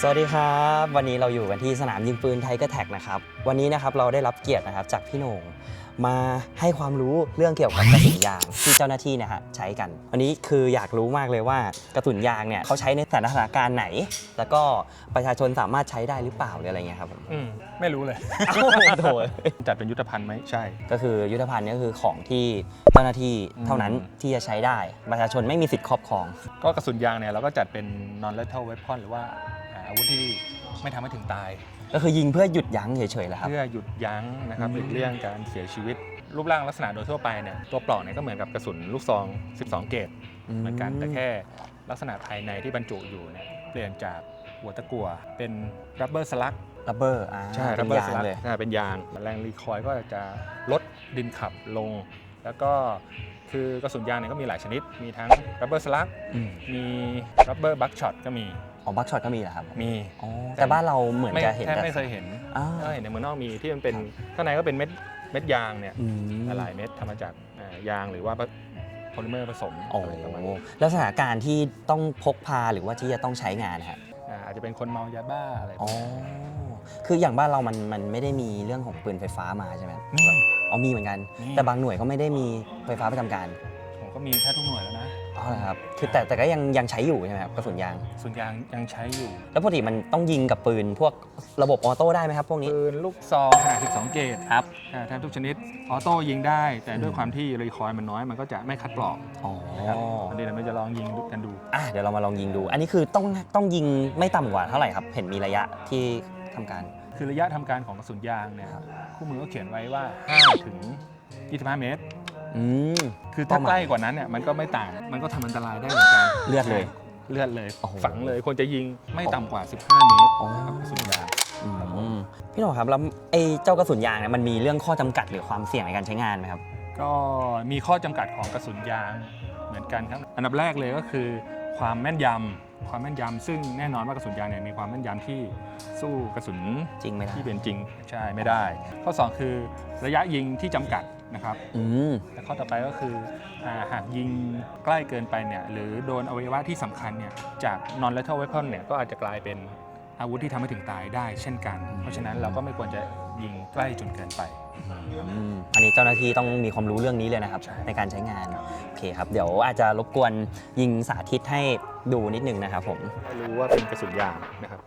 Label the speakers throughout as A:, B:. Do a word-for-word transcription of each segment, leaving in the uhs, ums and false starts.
A: วัสดีครับวันนี้เราอยู่กันที่สนามยิงปืนไทเกอร์แท็กนะครับวันนี้นะครับเราได้รับเกียรตินะครับจากพี่โหน่งมาให้ความรู้เรื่องเกี่ยวกับกระสุนยางที่เจ้าหน้าที่เนี่ยฮะใช้กันวันนี้คืออยากรู้มากเลยว่ากระสุนยางเนี่ยเขาใช้ในสถานการณ์ไหนแล้วก็ประชาชนสามารถใช้ได้หรือเปล่าหรืออะไรเงี้ยครับผม
B: อืมไม่รู้เลย
A: โอ้โห
B: จัดเป็นยุทธภัณฑ์ไหมใช่
A: ก็คือยุทธภัณฑ์นี่ก็คือของที่เจ้าหน้าที่เท่านั้นที่จะใช้ได้ประชาชนไม่มีสิทธิ์ครอบครอง
B: ก็กระสุนยางเนี่ยเราก็จัดเป็น non lethal weapon หรือว่าอาวุธที่ไม่ทำให้ถึงตาย
A: ก็คือยิงเพื่อหยุดยั้งเฉยๆแหละครับ
B: เพื่อหยุดยั้งนะครับหลีกเลี่ยงการเสียชีวิตรูปร่างลักษณะโดยทั่วไปเนี่ยตัวปลอกเนี่ยก็เหมือนกับกระสุนลูกซองสิบสองเกรดเหมือนกันแต่แค่ลักษณะภายในที่บรรจุอยู่เนี่ยเปลี่ยนจากหัวตะกั่วเป็น rubber slug
A: rubber
B: ใช่ rubber slug เลยเป็นยางแรงรีคอยล์ก็จะลดดินขับลงแล้วก็คือกระสุนยางเนี่ยก็มีหลายชนิดมีทั้ง rubber slug มี rubber buckshot ก็มี
A: อ๋อบัคช็อตก็มีเหรอครับ
B: มี
A: แต่บ้านเราเหมือนจะเห็น
B: แทบไม่เคยเห็นก็เห็นในเมืองนอกมีที่มันเป็นข้างในก็เป็นเม็ดเม็ดยางเนี่ยหลายเม็ดทำมาจากยางหรือว่าโพลิเมอร์ผสมอะไรประมาณนี้
A: แล้วสถานการณ์ที่ต้องพกพาหรือว่าที่จะต้องใช้งานนะครับ
B: อาจจะเป็นคนเมายาบ้าอะไรอ๋อ
A: คืออย่างบ้านเรามันมันไม่ได้มีเรื่องของปืนไฟฟ้ามาใช่ไหมอ๋อมีเหมือนกันแต่บางหน่วยก็ไม่ได้มีไฟฟ้าประจำการ
B: ผมก็มีแค่ทุกหน่วยแล้วนะ
A: อ๋อครับคือแต่แต่ก็ยังยังใช้อยู่ใช่ไหมครับกระสุนยาง
B: กระสุนยางยังใช้อยู่
A: แล้วปกติมันต้องยิงกับปืนพวกระบบออโต้ได้ไหมครับพวกนี้
B: ปืนลูกซองขนาดสิบสองเกรด
A: ครับ
B: แทบทุกชนิดออโต้ยิงได้แต่ด้วยความที่รีคอยล์มันน้อยมันก็จะไม่คัดปลอก
A: อ๋อ
B: อันนี้เราจะลองยิงกันดู
A: อ่ะเดี๋ยวเรามาลองยิงดูอันนี้คือต้องต้องยิงไม่ต่ำกว่าเท่าไหร่ครับเห็นมีระยะที่ทำการ
B: คือระยะทำการของกระสุนยางเนี่ยคู่มือก็เขียนไว้ว่าห้าถึงยี่สิบห้าเมตร
A: อืม
B: คือถ้าใกล้กว่านั้นเนี่ยมันก็ไม่ต่างมันก็ทำอันตรายได้เหมือนกัน
A: เลือดเลย
B: เลือดเลยฝังเลยควรจะยิงไม่ต่ำกว่าสิบห้าเมตรกับกระสุนยาง
A: พี่หนุ่มครับแล้วไอ้เจ้ากระสุนยางเนี่ยมันมีเรื่องข้อจำกัดหรือความเสี่ยงในการใช้งานไหมครับ
B: ก็มีข้อจำกัดของกระสุนยางเหมือนกันครับอันดับแรกเลยก็คือความแม่นยำความแม่นยำซึ่งแน่นอนว่ากระสุนยางเนี่ยมีความแม่นยำที่สู้กระสุน
A: จริงไม่ได้
B: ที่เป็นจริงใช่ไม่ได้ข้อสองคือระยะยิงที่จำกัดนะครับแต่ข้อต่อไปก็คือหากยิงใกล้เกินไปเนี่ยหรือโดนอวัยวะที่สำคัญเนี่ยจาก non lethal weapon เนี่ยก็อาจจะกลายเป็นอาวุธที่ทำให้ถึงตายได้เช่นกันเพราะฉะนั้นเราก็ไม่ควรจะยิงใกล้จนเกินไป
A: อันนี้เจ้าหน้าที่ต้องมีความรู้เรื่องนี้เลยนะครับในการใช้งานโอเคครับเดี๋ยวอาจจะรบกวนยิงสาธิตให้ดูนิดนึงนะครับผม
B: รู้ว่าเป็นกระสุนยางนะครับ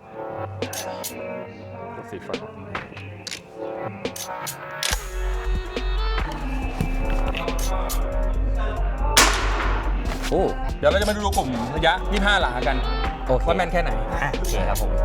B: สีฟ้า
A: โอ้
B: เดี๋ยวเราจะมาดูกลุ่มระยะยี่สิบห้าหลากันว่าแม่นแค่ไหน
A: โอเคครับผม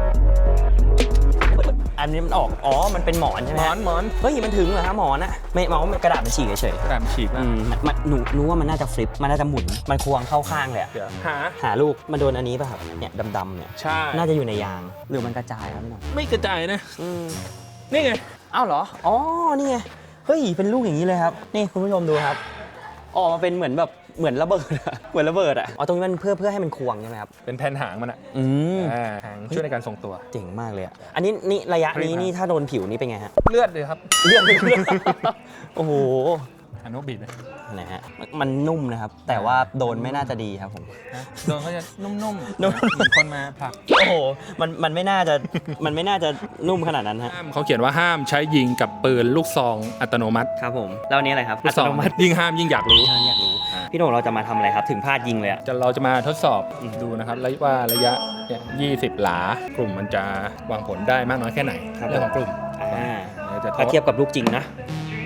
A: อันนี้มันออกอ๋อมันเป็นหมอนใช่ไหม
B: หมอนหมอน
A: เฮ้ยมันถึงเหรอฮะหมอนอะไม่หมอนกระดาษมันฉีกเฉย
B: กระดาษมันฉีกนะ
A: มันหนูรู้ว่ามันน่าจะฟลิปมันน่าจะหมุนมันควงเข้าข้างเลยอะ
B: หา
A: หาลูกมันโดนอันนี้ป่ะครับเนี่ยดำๆเนี่ย
B: ใช่
A: น่าจะอยู่ในยางหรือมันกระจายครับพี่น้อง
B: ไม่กระจายนะนี่ไง
A: อ้าวเหรออ๋อนี่ไงเฮ้ยเป็นลูกอย่างนี้เลยครับนี่คุณผู้ชมดูครับออกมาเป็นเหมือนแบบเหมือนระเบิดอะเหมือนระเบิดอะอ๋อตรงนี้มันเพื่อเพื่อให้มันควงใช่ไหมครับ
B: เป็นแผ่นหางมันอะ
A: อืม
B: หางช่วยในการทรงตัว
A: เจ๋งมากเลยอะอันนี้นี่ระยะนี้นี่ถ้าโดนผิวนี่เป็นไงฮะ
B: เลือดเลยครับ
A: เลือดเลยโอ้โห
B: อันนู้นบีบเลย
A: นะฮะมันนุ่มนะครับแต่ว่าโดนไม่น่าจะดีครับผม
B: โดนเขาจะนุ่มๆนุ่มเหมือนคนมาผลัก
A: โอ้โหมันมันไม่น่าจะมันไม่น่าจะนุ่มขนาดนั้นฮะ
B: เขาเขียนว่าห้ามใช้ยิงกับปืนลูกซองอัตโนมัติ
A: ครับผมแล้วนี้อะไรครับ
B: อัตโนมัติยิ่งห้ามยิ่งอยากรู้
A: อยากรู้พี่โหน่งเราจะมาทำอะไรครับถึงพลาดยิงเลยอ่ะ
B: จะเราจะมาทดสอบดูนะครับว่าระยะยี่สิบหลากลุ่มมันจะวางผลได้มากน้อยแค่ไหนเรื่องของกลุ่ม
A: ถ้าเทียบกับลูกจริงนะ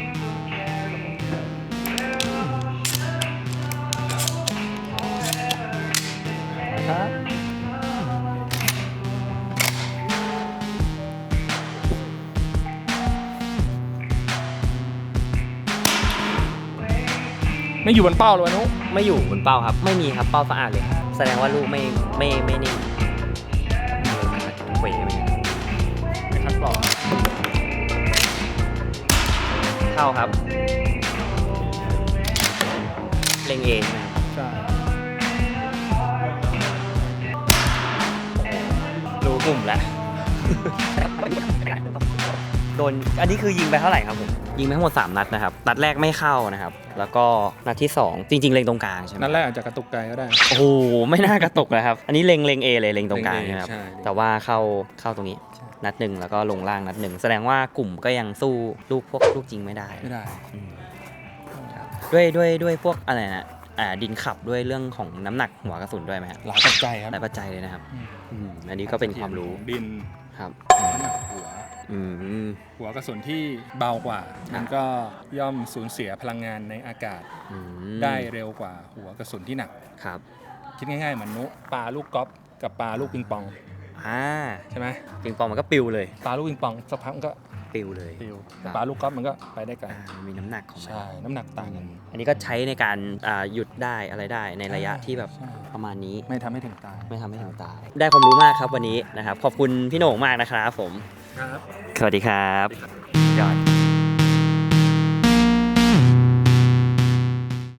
B: ไม่อยู่บนเป้าเลยวะนุ๊ก
A: ไม่อยู่บนเป้าครับไม่มีครับเป้าสะอาดเลยแสดงว่าลูกไม่ไม่ไม่นิ่งเขวไป
B: ไม่คัดปลอก
A: เข้าครับเล็งเองนะ
B: ใช่
A: รู้กลุ่มแล้วโดนอันนี้คือยิงไปเท่าไหร่ครับผมยิงไปทั้งหมดสามนัดนะครับนัดแรกไม่เข้านะครับแล้วก็นัดที่สองจริงๆเล็งตรงกลางใช่ไหม
B: นั่นแรกอาจจะกระตุกไกลก็ได้
A: โอ้โหไม่น่ากระตุกนะครับอันนี้เล็งเล็งเอเลยเล็งตรงกลาง
B: เล็ง A
A: ใช่ไหมครับ
B: ใช่
A: แต่ว่าเข้าเข้าตรงนี้นัดหนึ่งแล้วก็ลงล่างนัดหนึ่งแสดงว่ากลุ่มก็ยังสู้ลูกพวกลูกจริงไม่ได้
B: ไม่ได้
A: อืมครับด้วยด้วยด้วยพวกอะไรนะอ่าดินขับด้วยเรื่องของน้ำหนักหัวกระสุนด้วยไหมครับ
B: หลายปัจจัยครับ
A: หลายปัจจัยเลยนะครับ
B: อืม
A: อืมอันนี้ก็เป็นความรู้
B: ดิน
A: ครับ
B: น้ำหนักหัว
A: อืม
B: หัวกระสุนที่เบากว่า มันก็ย่อมสูญเสียพลังงานในอากาศ
A: อืม
B: ได้เร็วกว่าหัวกระสุนที่หนัก
A: ครับ
B: คิดง่ายๆเหมือนนุปลาลูกกอล์ฟกับปลาลูกปิงปอง
A: อ่า
B: ใช่ไหม
A: ปิงปองมันก็ปิวเลย
B: ปลาลูกปิงปองสักพักมันก็
A: ปิวเลย
B: ปลิว
A: ครับ
B: ปลาลูกกอล์ฟมันก็ไปได้ไกล
A: อ่ามันมีน้ำหนักของมัน
B: ใช่น้ำหนักต่างกัน
A: อันนี้ก็ใช้ในการอ่าหยุดได้อะไรได้ในระยะที่แบบ
B: ใช่
A: ประมาณนี้
B: ไม่ทำให้ถึงตาย
A: ไม่ทำให้ถึงตาย ได้ความรู้มากครับวันนี้นะครับ ขอบคุณพี่โหน่งมากนะครับผม
B: ครับ
A: สวัสดีครับ